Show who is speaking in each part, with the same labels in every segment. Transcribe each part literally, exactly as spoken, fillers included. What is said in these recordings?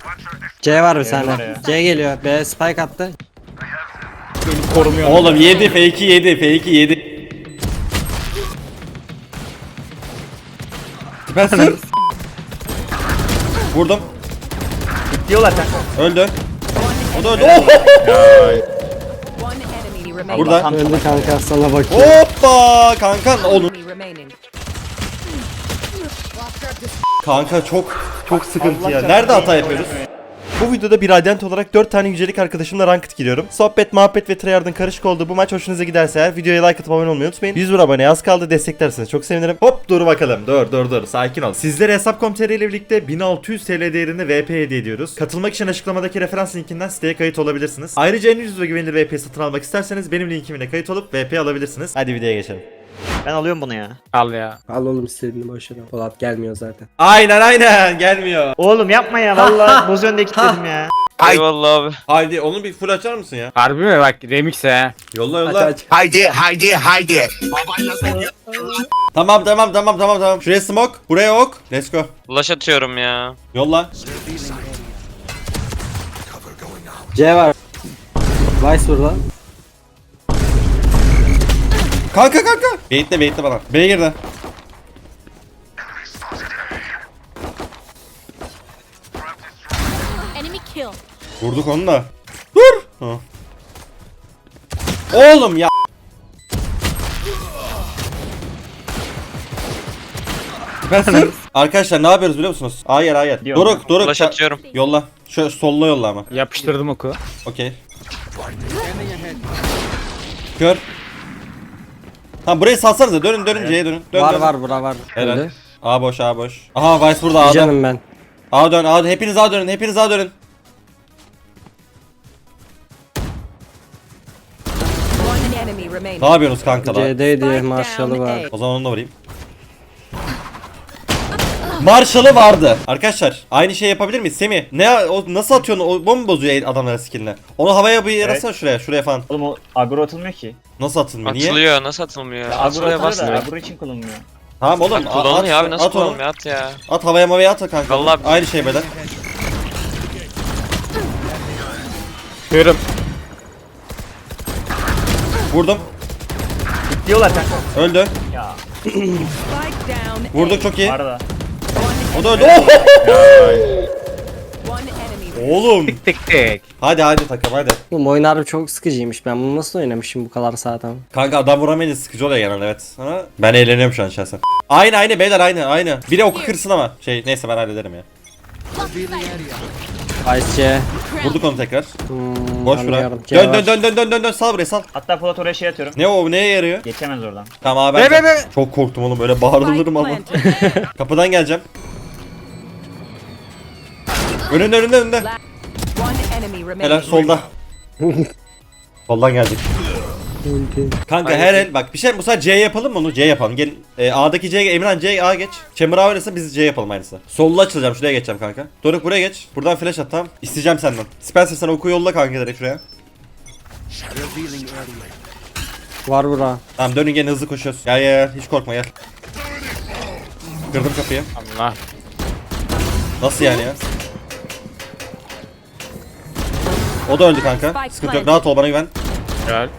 Speaker 1: C var bir
Speaker 2: C
Speaker 1: tane.
Speaker 2: var ya.
Speaker 1: C geliyor. B spike attı.
Speaker 2: Beni korumuyor.
Speaker 3: Oğlum yedi fake'i yedi fake'i yedi. Ben sır. Vurdum.
Speaker 2: Diyorlar kanka.
Speaker 3: Öldü. O da öldü.
Speaker 4: One enemy remaining.
Speaker 3: Burada.
Speaker 2: Tam
Speaker 1: Öldü kanka sana bakıyor.
Speaker 3: Hoppa kanka oğlum.
Speaker 4: Enemy remaining.
Speaker 3: Kanka çok çok sıkıntı
Speaker 2: Allah
Speaker 3: ya.
Speaker 2: canına
Speaker 3: Nerede hata
Speaker 2: iyi
Speaker 3: yapıyoruz?
Speaker 2: oynamayı.
Speaker 3: Bu videoda bir radyant olarak dört tane yücelik arkadaşımla ranked giriyorum. Sohbet, muhabbet ve tryhard'ın karışık olduğu bu maç hoşunuza giderse eğer videoya like atıp abone olmayı unutmayın. yüz bin aboneye az kaldı, desteklerseniz çok sevinirim. Hop dur bakalım. Dur dur dur. Sakin ol. Sizlere hesap nokta com nokta tr ile birlikte bin altı yüz TL değerinde V P hediye ediyoruz. Katılmak için açıklamadaki referans linkinden siteye kayıt olabilirsiniz. Ayrıca en ucuz ve güvenilir V P satın almak isterseniz benim linkimle kayıt olup V P alabilirsiniz. Hadi videoya geçelim.
Speaker 2: Ben alıyorum bunu ya.
Speaker 5: Al ya.
Speaker 1: Al oğlum istediğini boşver. Polat gelmiyor zaten.
Speaker 3: Aynen aynen gelmiyor.
Speaker 2: Oğlum yapma ya vallahi boz önde kilitledim ya.
Speaker 6: Eyvallah abi.
Speaker 3: Haydi onu bir full açar mısın ya?
Speaker 5: Harbi mi? Bak remix he.
Speaker 3: Yolla
Speaker 1: Aç
Speaker 3: yolla.
Speaker 1: aç.
Speaker 7: Haydi haydi haydi.
Speaker 3: Tamam tamam tamam tamam tamam. Şuraya smoke, buraya ok. Let's go.
Speaker 6: Flash atıyorum ya.
Speaker 3: Yolla.
Speaker 1: C var. Vice burada.
Speaker 3: Kanka kanka. Baitle baitle bana. B'ye girdi.
Speaker 4: Enemy kill.
Speaker 3: Vurduk onu da. Dur. Ha. Oğlum ya. Ben sır. Arkadaşlar ne yapıyoruz biliyor musunuz? Hayır hayır.
Speaker 2: Diyorum.
Speaker 3: Doruk Doruk.
Speaker 6: Flash
Speaker 3: ça-
Speaker 6: atıyorum.
Speaker 3: Yolla. Şöyle solla yolla ama.
Speaker 5: Yapıştırdım oku.
Speaker 3: Okey. Kör. Tamam burayı salsanıza. Dönün dönün C'ye dönün. Dön,
Speaker 1: Var
Speaker 3: dön.
Speaker 1: var bura var.
Speaker 3: Helal.
Speaker 1: Öldü.
Speaker 3: A boş A boş. Aha Vice burada A'da.
Speaker 1: Canım ben.
Speaker 3: A dön A dön. Hepiniz A dönün. Hepiniz A dönün.
Speaker 4: One enemy remaining.
Speaker 3: Ne yapıyorsunuz kankalar?
Speaker 1: C'deydi
Speaker 4: Spike
Speaker 1: Marshall'ı
Speaker 4: down
Speaker 1: var.
Speaker 4: A.
Speaker 3: O zaman onu da vurayım. Marshall'ı vardı. Arkadaşlar aynı şey yapabilir miyiz? Semih ne o nasıl atıyorsun? O bomba bozuyor adamlara skill'ine. Onu havaya bir yarasana şuraya, şuraya falan.
Speaker 2: Oğlum o agro atılmıyor ki.
Speaker 3: Nasıl atılmıyor? Niye?
Speaker 6: Atılıyor. Nasıl atılmıyor?
Speaker 2: Ya, agro
Speaker 6: Atılıyor
Speaker 2: atılıyor da
Speaker 6: basmıyor.
Speaker 2: agro için kullanılmıyor.
Speaker 3: Tamam oğlum.
Speaker 6: Bak, kullanılıyor
Speaker 3: at,
Speaker 6: abi nasıl
Speaker 3: at onu.
Speaker 6: kullanılmıyor? At ya.
Speaker 3: At havaya mavaya at kanka.
Speaker 6: Vallahi-
Speaker 3: Aynı şey beyler.
Speaker 5: Görüm.
Speaker 3: Vurdum.
Speaker 2: Diyorlar kanka.
Speaker 3: Öldü.
Speaker 2: Ya
Speaker 4: Spike down.
Speaker 3: Vurduk çok iyi.
Speaker 2: var da.
Speaker 3: O da öldü.
Speaker 4: One enemy.
Speaker 3: Oğlum.
Speaker 5: Tık tık.
Speaker 3: Hadi hadi takım hadi.
Speaker 1: Oğlum oyun harbi çok sıkıcıymış. Ben bunu nasıl oynamışım bu kadar saatten?
Speaker 3: Kanka adam vuramayınca sıkıcı oluyor genelde evet. Ama ben eğleniyorum şu an şahsen. Aynı aynı beyler aynı aynı. Biri oku kırsın ama. Şey neyse ben hallederim ya.
Speaker 1: Vice C.
Speaker 3: Vurduk onu tekrar.
Speaker 1: Hmm,
Speaker 3: Boş bırak.
Speaker 1: anlıyorum. C
Speaker 3: Dön
Speaker 1: var.
Speaker 3: dön dön dön dön dön dön sal buraya sal.
Speaker 2: Hatta Polat oraya şey atıyorum.
Speaker 3: Ne o neye yarıyor?
Speaker 2: Geçemez oradan.
Speaker 3: Tamam abi ben
Speaker 5: Be, be, be.
Speaker 3: çok korktum oğlum öyle bağırılır mı ama.
Speaker 4: planted.
Speaker 3: Kapıdan geleceğim. Önünde önünde önünde.
Speaker 4: One enemy remaining.
Speaker 3: Helal solda. Soldan geldik. Kanka her el bak bir şey bu sefer C yapalım mı onu C yapalım. Gel e, A'daki C Emirhan C A geç. Chamber A oynasın biz C yapalım aynısı. Solda açılacağım şuraya geçeceğim kanka. Doruk buraya geç. Buradan flash at tamam. İsteyeceğim senden. Spencer sen oku yolla kanka direkt şuraya.
Speaker 1: Var bura.
Speaker 3: Tamam dönün gene hızlı koşuyoruz. Gel gel gel hiç korkma gel. Kırdım kapıyı.
Speaker 5: Allah.
Speaker 3: Nasıl yani ya? O da öldü kanka. Sıkıntı yok. Rahat ol bana güven.
Speaker 5: Güzel.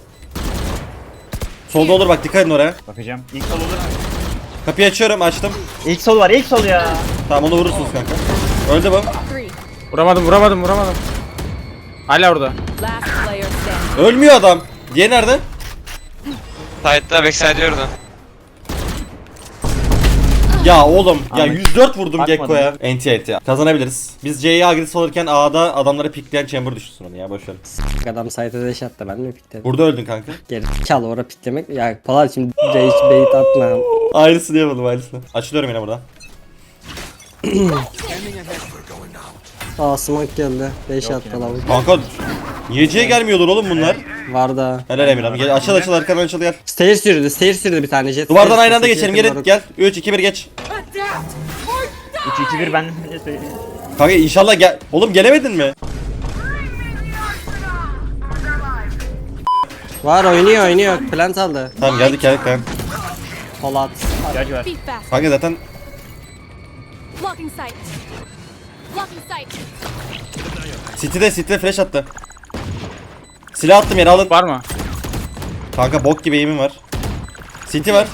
Speaker 3: Solda olur bak dikkat edin oraya.
Speaker 2: Bakacağım. İlk sol olur.
Speaker 3: Kapıyı açıyorum açtım.
Speaker 2: İlk sol var ilk sol ya.
Speaker 3: Tamam onu vurursunuz kanka. Öldü bu.
Speaker 4: Three.
Speaker 5: Vuramadım vuramadım vuramadım. Hala orada.
Speaker 4: Last player standing.
Speaker 3: Ölmüyor adam. Diğeri nerede?
Speaker 6: Side'da backside diyordun.
Speaker 3: Ya oğlum ya
Speaker 2: Ahmet.
Speaker 3: yüz dört vurdum
Speaker 2: Bakmadım.
Speaker 3: Gekko'ya. Enti enti ya. Kazanabiliriz. Biz C'ye agresif olurken A'da adamları pikleyen chamber düşsün onu ya boşver.
Speaker 1: Adam site'e deş attı ben mi pikledim?
Speaker 3: Burada öldün kanka.
Speaker 1: Geri çal orada piklemek. Ya Polat şimdi rage bait atma.
Speaker 3: Aynısını yapalım aynısını. Açılıyorum yine buradan.
Speaker 1: Aa smoke geldi. Deş attı lavuk.
Speaker 3: Kanka niye C'ye gelmiyorlar oğlum bunlar?
Speaker 1: Var da.
Speaker 3: Helal Emirhan. Gel açıl açıl arkadan açıl gel.
Speaker 1: Stairs yürüdü. Stairs yürüdü bir tane jet.
Speaker 3: Duvardan
Speaker 1: Stairs
Speaker 3: aynı anda
Speaker 1: sesi
Speaker 3: geçelim
Speaker 1: yakın
Speaker 3: gelin
Speaker 1: Doruk.
Speaker 3: gel. üç iki bir geç.
Speaker 2: üç iki bir ben.
Speaker 3: Kanka inşallah gel. Oğlum gelemedin mi?
Speaker 1: Var oynuyor oynuyor. Plant aldı.
Speaker 3: Tamam geldik geldik kanka.
Speaker 1: Polat.
Speaker 2: İhtiyacı var.
Speaker 4: Be fast.
Speaker 3: Kanka zaten
Speaker 4: Blocking sight.
Speaker 7: Blocking sight.
Speaker 3: City'de City'de flash attı. Silah attım yere alın.
Speaker 5: Var mı?
Speaker 3: Kanka bok gibi aim'im var. City var.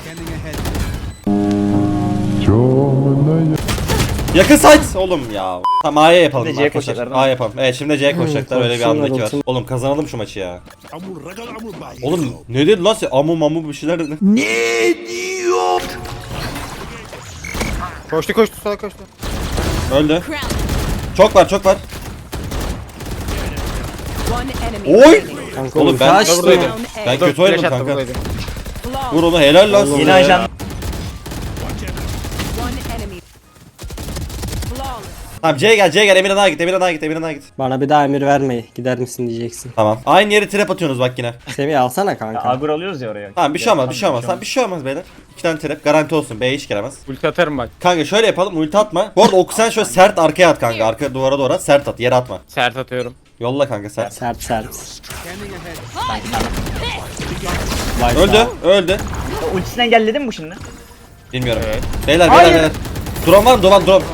Speaker 3: Yakın site oğlum ya. Tamam A'ya yapalım
Speaker 2: Şimdi C'ye
Speaker 3: arkadaşlar.
Speaker 2: koşacaklar, değil mi?
Speaker 3: A yapalım. Evet şimdi C'ye koşacaklar. Öyle bir
Speaker 1: koşsunlar,
Speaker 3: andaki var.
Speaker 1: olsun.
Speaker 3: Oğlum kazanalım şu maçı ya. Oğlum ne dedi lan sen? Amu mamu bir şeyler dedi.
Speaker 5: Koştu koştu sola koştu.
Speaker 3: Öldü. Çok var çok var.
Speaker 4: One enemy
Speaker 3: Oy!
Speaker 4: remaining.
Speaker 1: Kanka
Speaker 3: Oğlum ben
Speaker 1: kaçtı.
Speaker 5: buradaydım.
Speaker 3: ben
Speaker 5: Dur,
Speaker 3: kötü oynadım
Speaker 5: flash attı,
Speaker 3: kanka.
Speaker 5: buradaydı.
Speaker 3: Vur onu helal lan size
Speaker 2: Yine
Speaker 3: ya.
Speaker 2: ajan.
Speaker 4: One enemy. Flawless.
Speaker 3: Tamam C'ye gel C'ye gel Emirhan Ağa git Emirhan Ağa git Emirhan Ağa git.
Speaker 1: Bana bir daha emir vermeyi. Gider misin diyeceksin.
Speaker 3: Tamam. Aynı yere trap atıyorsunuz bak yine.
Speaker 1: Semih alsana
Speaker 2: Ya,
Speaker 1: kanka.
Speaker 2: Agro alıyoruz ya oraya.
Speaker 3: Tamam bir şey olmaz bir şey olmaz. Tamam bir şey olmaz beyler. İki tane trap garanti olsun. B'ye hiç giremez.
Speaker 5: Ulti atarım bak.
Speaker 3: Kanka şöyle yapalım ulti atma. Bu arada oku sen şöyle sert arkaya at kanka. Arka duvara doğru at sert at yere atma.
Speaker 5: Sert atıyorum.
Speaker 3: Yolla kanka sert.
Speaker 1: Sert sert.
Speaker 3: Öldü öldü.
Speaker 2: Ya, ultisini engelledin mi bu şimdi?
Speaker 3: Bilmiyorum.
Speaker 5: Evet.
Speaker 3: Beyler
Speaker 2: Hayır.
Speaker 3: beyler beyler. Drone var mı? Drone drone.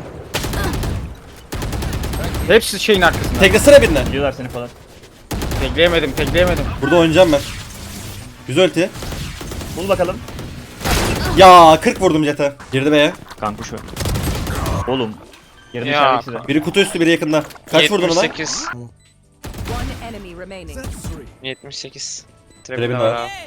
Speaker 5: Hepsi şeyin arkasında.
Speaker 3: Teklesene birine.
Speaker 2: Biliyorlar seni falan.
Speaker 5: Tekleyemedim tekleyemedim.
Speaker 3: Burada oynayacağım ben. Güzel ulti.
Speaker 2: Bul bakalım.
Speaker 3: Ya kırk vurdum jete. Girdi B'ye.
Speaker 2: Kanka şu. Oğlum. Yarın
Speaker 6: Ya.
Speaker 2: içerideki size.
Speaker 3: Biri kutu üstü biri yakında. Kaç vurdun ona?
Speaker 6: yetmiş sekiz.
Speaker 4: One enemy remaining.
Speaker 6: yetmiş sekiz.
Speaker 3: Trebin
Speaker 6: Trebin
Speaker 3: var.
Speaker 6: var abi.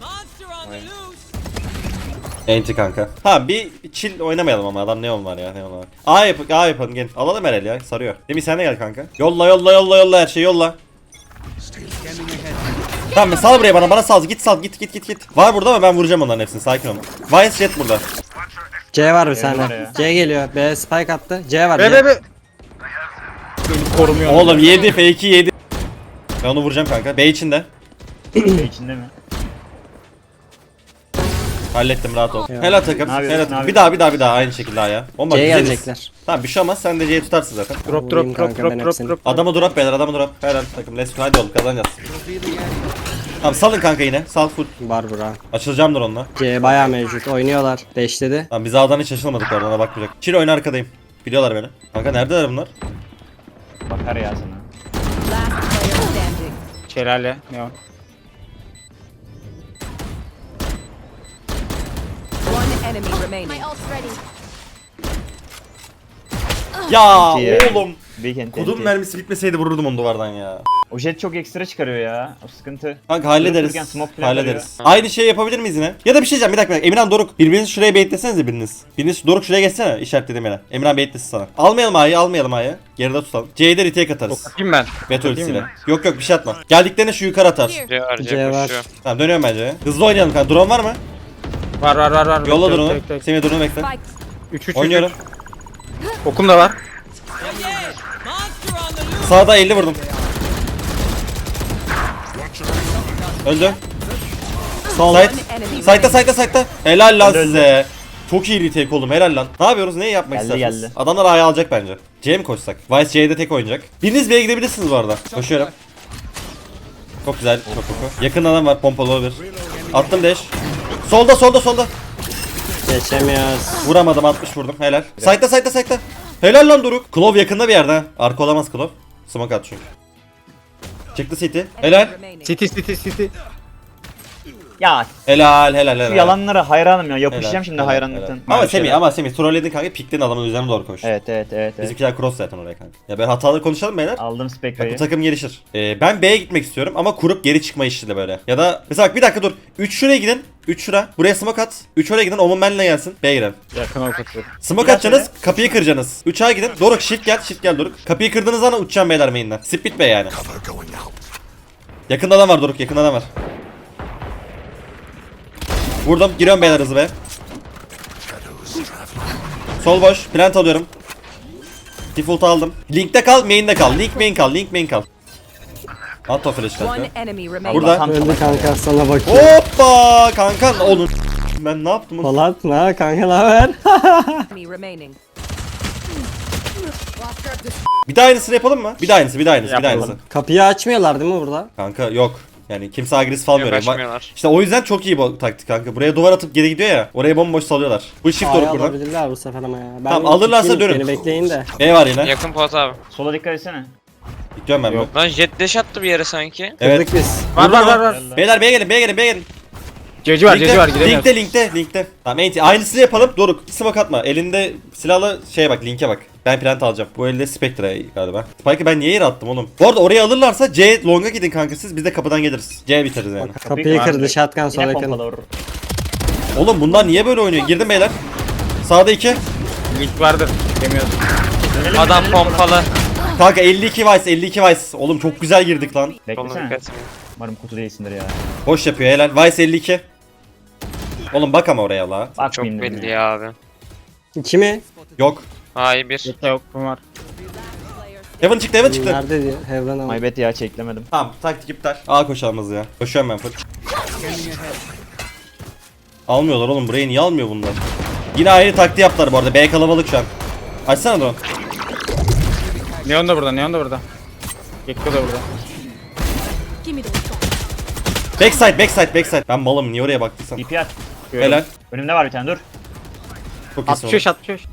Speaker 3: Enti kanka. Ha bir chill oynamayalım ama adam ne var ya ne var. A yap A yapalım gel. Alalım herhalde ya sarıyor. Demi sen de gel kanka. Yolla yolla yolla yolla her şeyi yolla. Tamam sal buraya bana bana sal git sal git git git git. Var burada ama ben vuracağım onların hepsini sakin ol. Vice Jet burada.
Speaker 1: C var bir
Speaker 2: var
Speaker 1: sende.
Speaker 2: ya.
Speaker 1: C geliyor. B spike attı. C var.
Speaker 5: Be
Speaker 1: C.
Speaker 5: be be. Beni korumuyor.
Speaker 3: Oğlum yedi fake'i yedi. Ben onu vuracağım kanka. B içinde.
Speaker 2: İçinde mi?
Speaker 3: Hallettim rahat ol.
Speaker 1: Ya.
Speaker 3: Helal takım.
Speaker 2: Ne yapıyorsun,
Speaker 3: Helal
Speaker 2: ne
Speaker 3: takım. Bir
Speaker 2: yapıyorsun?
Speaker 3: daha bir daha bir daha aynı şekilde ha ya. Bomba
Speaker 1: C'ye
Speaker 3: güzeliz.
Speaker 1: gelecekler.
Speaker 3: Tamam bir şey olmaz sen de C'yi tutarsın zaten.
Speaker 5: Drop
Speaker 1: Vurayım
Speaker 5: drop drop
Speaker 1: kanka
Speaker 5: drop
Speaker 1: ben
Speaker 5: drop
Speaker 1: hepsini.
Speaker 5: drop.
Speaker 3: Adamı drop beyler adamı drop. Helal takım. Let's go hadi oğlum kazanacağız. Tamam salın kanka yine. Sal full.
Speaker 1: Var bura.
Speaker 3: Açılacağımdır onunla.
Speaker 1: C bayağı mevcut. Oynuyorlar. Beşledi.
Speaker 3: Tamam biz A'dan hiç açılmadık orada ona bakmayacak. Çil oyunu arkadayım. Biliyorlar beni. Kanka neredeler bunlar?
Speaker 2: Bakar ya sana.
Speaker 4: Last player standing.
Speaker 5: Şelale. Ne o?
Speaker 4: One enemy
Speaker 7: My
Speaker 4: remaining.
Speaker 7: ult's ready.
Speaker 3: Ya
Speaker 2: İyi ya.
Speaker 3: oğlum.
Speaker 2: Big ent,
Speaker 3: Kodum
Speaker 2: enti.
Speaker 3: mermisi bitmeseydi vururdum onu duvardan ya.
Speaker 2: O jet çok ekstra çıkarıyor ya. O sıkıntı.
Speaker 3: Kanka hallederiz.
Speaker 2: Dururken smoke falan
Speaker 3: Hallederiz. Aynı şeyi yapabilir miyiz yine? Ya da bir şey diyeceğim bir dakika. bir dakika. Emirhan Doruk birbirinizi şuraya baitlesenize biriniz. Biriniz Doruk şuraya geçsene işaretledim Emirhan. Emirhan baitlesin sana. Almayalım A'yı almayalım A'yı. Geride tutalım. C'ye de retake atarız.
Speaker 5: Bakayım ben.
Speaker 3: Veto
Speaker 5: Bakayım
Speaker 3: ultisiyle.
Speaker 5: mı?
Speaker 3: Yok yok bir şey atma. Geldiklerinde şu yukarı atar.
Speaker 6: C var C
Speaker 1: C var.
Speaker 6: koşuyor.
Speaker 3: Tamam dönüyorum bence. Hızlı oynayalım kanka. Drone var mı?
Speaker 5: Var var var var.
Speaker 3: Yolla
Speaker 5: Bekle,
Speaker 3: drone'u.
Speaker 5: bekle, bekle.
Speaker 3: Semih drone'u bekle.
Speaker 4: Spike.
Speaker 5: üç üç
Speaker 3: Oynuyorum.
Speaker 5: Okum da var.
Speaker 3: Sağda elli vurdum. Öldü.
Speaker 1: Sol.
Speaker 3: Side.
Speaker 4: One enemy
Speaker 3: Side'da
Speaker 4: remaining.
Speaker 3: side'da side'da. Helal lan
Speaker 2: Öldü, öldü.
Speaker 3: size. Çok iyi retake oldum helal lan. Ne yapıyoruz? Neyi yapmak
Speaker 2: Geldi,
Speaker 3: istersiniz?
Speaker 2: geldi.
Speaker 3: Adamlar A'ya alacak bence. C'ye mi koşsak? Vice C'de tek oynayacak. Biriniz B'ye gidebilirsiniz bu arada. Koşuyorum. Çok güzel. Çok çok. Yakın adam var pompalı olabilir. Attım dash. Solda solda solda.
Speaker 1: Geçemiyoruz.
Speaker 3: Vuramadım altmış vurdum. Helal. Side'da side'da side'da. Helal lan Doruk. Klov yakında bir yerde ha. Arka olamaz Klov. Smoke at çünkü. Çıktı City. Helal.
Speaker 4: Enemy remaining.
Speaker 5: City city city.
Speaker 2: Ya
Speaker 3: Helal helal helal.
Speaker 2: şu yalanlara hayranım ya.
Speaker 3: Helal,
Speaker 2: Yapışacağım şimdi
Speaker 3: helal,
Speaker 2: hayranlıktan.
Speaker 3: helal. Ama
Speaker 2: Bir
Speaker 3: Semih
Speaker 2: şeyler.
Speaker 3: ama Semih trolledin kanka piktin adamın üzerine doğru koş.
Speaker 2: Evet evet evet. evet.
Speaker 3: Bizimkiler cross zaten oraya kanka. Ya ben hataları konuşalım beyler.
Speaker 2: Aldım
Speaker 3: Bak bu
Speaker 2: Spectre'yi.
Speaker 3: takım gelişir. Ee, ben B'ye gitmek istiyorum ama kurup geri çıkma işi de böyle. Ya da mesela bak bir dakika dur. üç şuraya gidin. üç şura. Buraya smoke at. üç oraya gidin. Omun benle gelsin. B'ye girelim.
Speaker 5: Yakın ok atıyorum.
Speaker 3: Smoke
Speaker 2: Biraz
Speaker 3: atacaksınız.
Speaker 2: öyle.
Speaker 3: Kapıyı kıracaksınız. üç A'ya gidin. Doruk shift gel. Shift gel Doruk. Kapıyı kırdığınız zaman uçacağım beyler main'den. Split B yani. Yakında adam var Doruk. Yakında adam var. Vurdum. Giriyorum beyler hızlı be. Sol boş. Plant alıyorum. Default aldım. Link'te kal. Main'de kal. Link main kal. Link main kal. At o flash kanka.
Speaker 4: One enemy remaining.
Speaker 3: Burada.
Speaker 1: Öldü kanka sana bakıyor.
Speaker 3: Hoppa kanka oğlum. Ben ne yaptım? oğlum?
Speaker 1: Polat ne kanka ne haber?
Speaker 4: Enemy remaining.
Speaker 3: Bir daha aynısını yapalım mı? Bir daha aynısı, bir daha aynısı, bir daha
Speaker 5: Yapalım.
Speaker 3: aynısı.
Speaker 1: Kapıyı açmıyorlar değil mi burada?
Speaker 3: Kanka yok. Yani kimse agresif almıyor. Yani.
Speaker 6: Yaklaşmıyorlar.
Speaker 3: İşte o yüzden çok iyi bu taktik kanka. Buraya duvar atıp geri gidiyor ya. Oraya bomboş salıyorlar. Bu shift
Speaker 1: A'yı
Speaker 3: doğru buradan.
Speaker 1: alabilirler bu sefer ama ya. Ben
Speaker 3: Tamam, alırlarsa
Speaker 1: gideyim,
Speaker 3: dönün.
Speaker 1: Beni bekleyin de.
Speaker 3: E var yine.
Speaker 6: Yakın pot abi.
Speaker 2: Sola dikkat etsene.
Speaker 3: Gidiyorum ben
Speaker 5: Yok.
Speaker 3: bu.
Speaker 6: Lan jet dash attı bir yere sanki.
Speaker 3: Evet.
Speaker 1: Kırdık biz.
Speaker 5: Var var var var.
Speaker 3: Beyler B'ye gelin B'ye gelin B'ye gelin.
Speaker 5: Ceci var ceci var giremiyoruz.
Speaker 3: linkte linkte linkte. Tamam enti. Aynısını yapalım. Doruk smoke atma. Elinde silahla şeye bak linke bak. Ben plant alacağım. Bu elde Spectre galiba. Spike'ı ben niye yere attım oğlum? Bu arada oraya alırlarsa C long'a gidin kanka siz. Biz de kapıdan geliriz. C biteriz yani.
Speaker 1: Kapıyı kırdı shotgun sol
Speaker 2: Yine
Speaker 1: yakın.
Speaker 2: pompalı vurur.
Speaker 3: Oğlum bunlar niye böyle oynuyor? Girdim beyler. Sağda iki.
Speaker 5: Link vardır. Giremiyoruz.
Speaker 2: Dönelim,
Speaker 6: Adam
Speaker 2: dönelim
Speaker 6: pompalı.
Speaker 3: Kanka elli iki vice elli iki vice. Oğlum çok güzel girdik lan.
Speaker 2: oradan.
Speaker 6: Soluna
Speaker 2: Beklesene.
Speaker 6: dikkat edin.
Speaker 2: Umarım kutu değilsindir ya.
Speaker 3: Boş yapıyor helal. Vice elli iki. Oğlum bak ama oraya la.
Speaker 6: Çok
Speaker 2: Bakmayayım dedim
Speaker 6: belli
Speaker 2: ya.
Speaker 6: ya abi.
Speaker 1: İki mi?
Speaker 3: Yok.
Speaker 6: Hayır bir.
Speaker 5: Yok yok bu var.
Speaker 3: Heaven çıktı Heaven çıktı.
Speaker 1: Nerede diyor? Heaven ama.
Speaker 2: My bad ya çeklemedim.
Speaker 3: Tamam taktik iptal. A koşalımız ya. Koşuyorum ben full. Almıyorlar oğlum burayı niye almıyor bunlar? Yine aynı taktiği yaptılar bu arada. B kalabalık şu an. Açsana drone.
Speaker 5: Neon da burada Neon da burada. Gekko da burada.
Speaker 3: Backside backside backside. Ben malım niye oraya baktıysam.
Speaker 2: D P at.
Speaker 3: Helal.
Speaker 2: Önümde var bir tane dur.
Speaker 3: Çok iyisin
Speaker 5: altmış beş
Speaker 3: oğlum.
Speaker 5: altmış beş.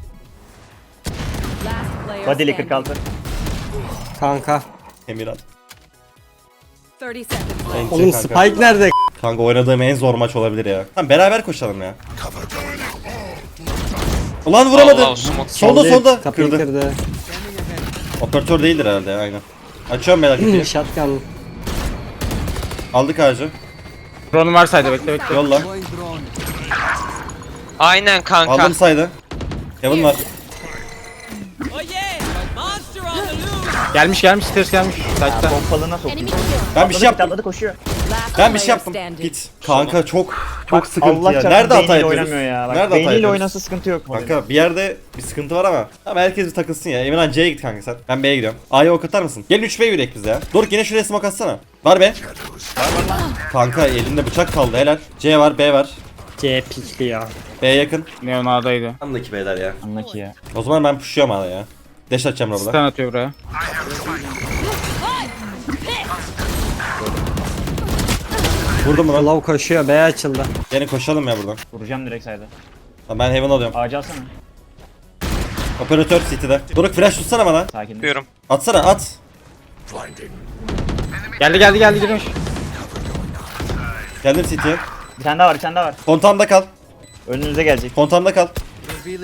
Speaker 4: Last player
Speaker 2: Body'li
Speaker 4: standing.
Speaker 2: kırk altı.
Speaker 1: Kanka.
Speaker 3: Emirat.
Speaker 4: thirty seconds left.
Speaker 3: Enti
Speaker 1: Oğlum
Speaker 3: kanka.
Speaker 1: Spike nerede?
Speaker 3: Kanka oynadığım en zor maç olabilir ya. Tamam beraber koşalım ya. Ulan vuramadı.
Speaker 6: Allah, smoke.
Speaker 3: Solda
Speaker 1: Solda,
Speaker 3: solda.
Speaker 1: Kapıyı
Speaker 3: Kırdı.
Speaker 1: kırdı.
Speaker 3: Operatör değildir herhalde ya, aynen. Açıyorum beyler kapıyı.
Speaker 1: Shotgun.
Speaker 3: Aldık ağacı.
Speaker 5: Drone'um var saydı bekle bekle.
Speaker 3: Yolla.
Speaker 6: Aynen kanka.
Speaker 3: Aldım saydı. Heaven var.
Speaker 5: Gelmiş gelmiş stairs gelmiş. Side'da.
Speaker 2: Pompalına sokayım.
Speaker 3: Ben bir şey yaptım.
Speaker 2: Atladı koşuyor.
Speaker 4: Last
Speaker 3: Ben bir şey
Speaker 4: player
Speaker 3: yaptım.
Speaker 4: standing.
Speaker 3: Git. Kanka çok çok
Speaker 2: Bak,
Speaker 3: sıkıntı
Speaker 2: Allah
Speaker 3: ya.
Speaker 2: çarpsın
Speaker 3: Nerede hata
Speaker 2: beyniyle
Speaker 3: yapıyoruz?
Speaker 2: oynamıyor ya. Bak,
Speaker 3: Nerede hata
Speaker 2: beyniyle
Speaker 3: yapıyoruz?
Speaker 2: oynasa sıkıntı yok.
Speaker 3: Kanka bir yerde bir sıkıntı var ama. Ama herkes bir takılsın ya. Emirhan C'ye git kanka sen. Ben B'ye gidiyorum. A'ya ok atar mısın? Gelin üç B yürek biz ya. Doruk yine şuraya smoke atsana. Var be. Kanka elinde bıçak kaldı helal. C var B var.
Speaker 1: C pikli ya.
Speaker 3: B yakın.
Speaker 5: Neon A'daydı.
Speaker 3: Andaki B'ler ya.
Speaker 2: Anla ki ya.
Speaker 3: O zaman ben pushluyorum hala ya. Dash atacağım burada.
Speaker 5: Stun atıyor buraya.
Speaker 3: Vurdum mu lan?
Speaker 1: Low koşuyor. B açıldı.
Speaker 3: Gelin koşalım ya buradan.
Speaker 2: Vuracağım direkt sayda.
Speaker 3: Tamam, ben Heaven alıyorum.
Speaker 2: Ağacı alsana.
Speaker 3: Operatör City'de. Doruk flash tutsana bana.
Speaker 2: Sakin.
Speaker 6: Yapıyorum.
Speaker 3: Atsana at.
Speaker 5: Geldi geldi geldi girmiş.
Speaker 3: Geldim City'ye.
Speaker 2: Bir tane daha var bir tane daha var.
Speaker 3: Kontamda kal.
Speaker 2: Önünüze gelecek.
Speaker 3: Kontamda kal.
Speaker 4: One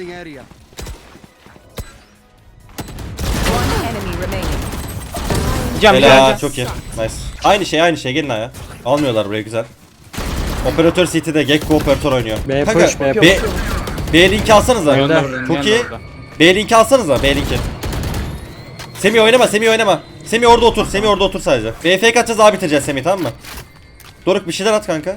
Speaker 4: enemy remaining.
Speaker 5: Cam
Speaker 3: Helal
Speaker 5: cam.
Speaker 3: çok iyi. Nice. Aynı şey aynı şey gelin aya. Almıyorlar buraya güzel. Operatör City'de Gekko operatör oynuyor.
Speaker 1: B
Speaker 3: Kanka,
Speaker 1: push, B
Speaker 3: B,
Speaker 1: push.
Speaker 3: B linki alsanıza.
Speaker 5: Neon da burada.
Speaker 3: Çok
Speaker 5: Neon
Speaker 3: iyi.
Speaker 5: da burada.
Speaker 3: B linki alsanıza B linki. Semih oynama Semih oynama. Semih orada otur Semih orada otur sadece. B F K atacağız abi bitireceğiz Semih tamam mı? Doruk bir şeyler at kanka.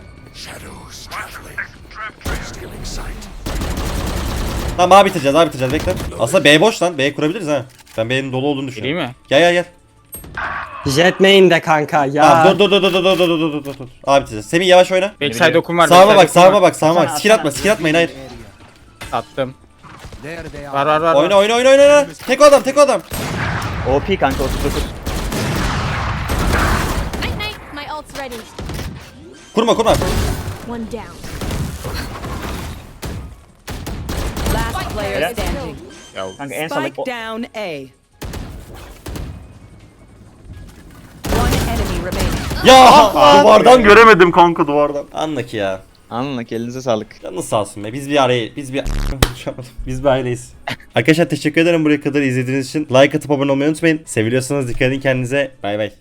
Speaker 3: Tamam abi bitireceğiz abi bitireceğiz bekle. Aslında B boş lan B kurabiliriz ha. Ben B'nin dolu olduğunu
Speaker 5: Gireyim
Speaker 3: düşünüyorum.
Speaker 5: mi?
Speaker 3: Gel gel gel.
Speaker 1: Jet main'de kanka ya.
Speaker 3: Tamam dur dur dur dur dur dur dur dur dur dur. Abi bitireceğiz. Semih yavaş oyna.
Speaker 5: Backside okum var.
Speaker 3: Sağıma
Speaker 5: backside
Speaker 3: bak
Speaker 5: okum
Speaker 3: sağıma
Speaker 5: var.
Speaker 3: bak sağıma bak.
Speaker 2: Atsana,
Speaker 3: Skill atma
Speaker 2: atsana.
Speaker 3: skill atmayın hayır.
Speaker 5: Attım. Var var var.
Speaker 3: Oyna
Speaker 5: var.
Speaker 3: oyna oyna oyna oyna. Tek o adam tek o adam.
Speaker 2: O P kanka otuz dokuz.
Speaker 7: Night night, my ult's ready.
Speaker 3: Kurma kurma.
Speaker 7: One down.
Speaker 4: Last player
Speaker 2: Helal.
Speaker 4: standing.
Speaker 2: Kanka en sağlık.
Speaker 4: Spike down A. One enemy remaining.
Speaker 3: Ya duvardan göremedim kanka duvardan. Anla ki ya.
Speaker 2: Anla ki elinize sağlık.
Speaker 3: Canınız sağ olsun be. Biz bir araya biz bir biz bir aileyiz. Arkadaşlar teşekkür ederim buraya kadar izlediğiniz için. Like atıp abone olmayı unutmayın. Seviliyorsanız dikkat edin kendinize. Bay bay.